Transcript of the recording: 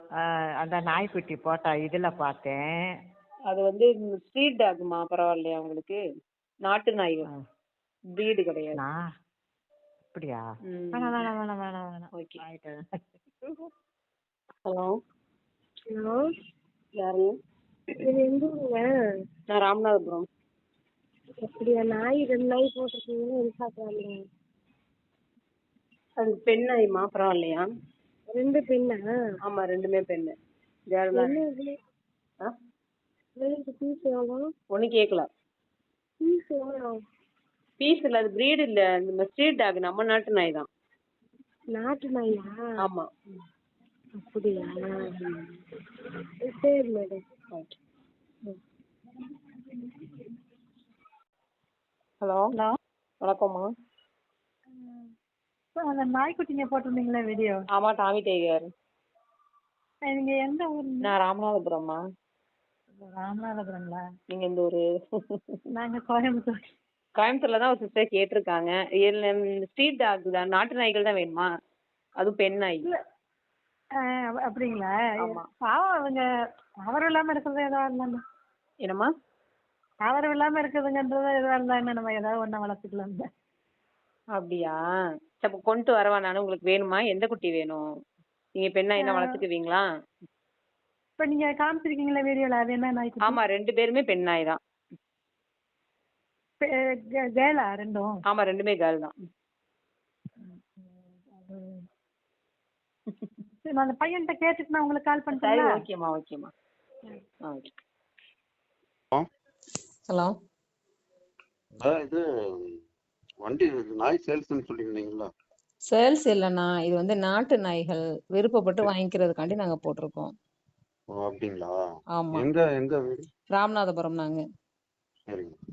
அந்த நாய்க்குட்டி போட்டா இதுல பார்த்தேன். அது வந்து ஸ்ட்ரீட் டாக்மா, பரவாயில்லையா உங்களுக்கு? நாட்டு நாய், பிரீடு கிடையாது. அப்படியா? வேணாம் வேணாம் வேணாம் வேணாம் வேணாம். ஓகே. ஆயிட்டு. ஹலோ ஹலோ, யாருங்க? இது எந்த ஊருங்க? நான் ராமநாதபுரம். அப்படியா? நாய் 2 நாய் போட்டிருக்கீங்கன்னு எதிர்பார்க்கலாமே. அது பெண் நாய்மா, பரவாயில்லையா? 2 பெண்ணா? ஆமா, 2மே பெண்ணு. ஜெயலலிதா. பீஸ் எவ்வளோ? ஒன்னும் கேட்கல. பீஸ் எவ்வளோ? பீஸ் இல்ல, அது பிரீடு இல்ல, இந்த ஸ்ட்ரீட் டாக், நம்ம நாட்டு நாய் தான். நாட்டு நாயா? ஆமா. அப்படியா? சரி மேடம். ஹலோ ஹலோ, வணக்கம்மா. அந்த நாய்க்குட்டிங்க போட்டிருந்தீங்களே வீடியோ? ஆமா, டாமி டைகர். நீங்க எந்த ஊர்? நான் ராமநாதபுரம்மா. ராமநாதபுரங்களா? நீங்க எந்த ஊரு? நாங்க கோயம்புத்தூர். கோயம்புத்தூர்ல தான் ஒரு சிஸ்டர் கேட்டிருக்காங்க. ஸ்ட்ரீட் டாக் தான், நாட்டு நாய்கள் தான் வேணுமா? அதுவும் பெண் நாய். அப்படிங்களா? ஆமா. பாவம் அவங்க ஆதரவு இல்லாம இருக்கிறது எதா இருந்தாலும். என்னம்மா? ஆதரவு இல்லாம இருக்குதுங்கன்றது எதுவா இருந்தா என்ன, நம்ம ஏதாவது ஒண்ணு வளர்த்துக்கலாம். அப்படியா? அப்ப கொண்டு வரவா நானு? உங்களுக்கு வேணுமா? எந்த குட்டி வேணும்? நீங்க பெண் நாய் தான் வளர்த்துக்குவீங்களா? இப்ப நீங்க காமிச்சிருக்கீங்களா வீடியோல, அது என்ன நாய்க்குட்டி? ஆமா, 2 பேருமே பெண் நாய் தான். கேர்ளா ரெண்டும்? ஆமா, 2மே கேர்ள் தான். சரி, நான் அந்த பையன்கிட்ட கேட்டுட்டு நான் உங்களுக்கு கால் சரி, பண்ணிட்டேன். ஓகேம்மா ஓகேம்மா. ஓகே. ஹலோ, இது வண்டி நாய் சேல்ஸ்ன்னு சொல்லியிருந்தீங்களா? சேல்ஸ் இல்லைண்ணா, இது வந்து நாட்டு நாய்கள் விருப்பப்பட்டு வாங்கிக்கிறதுக்காண்டி நாங்க போட்டிருக்கோம். ஓ, அப்படிங்களா? ஆமா, எங்க வீடு? ராமநாதபுரம் நாங்க. சரிங்க.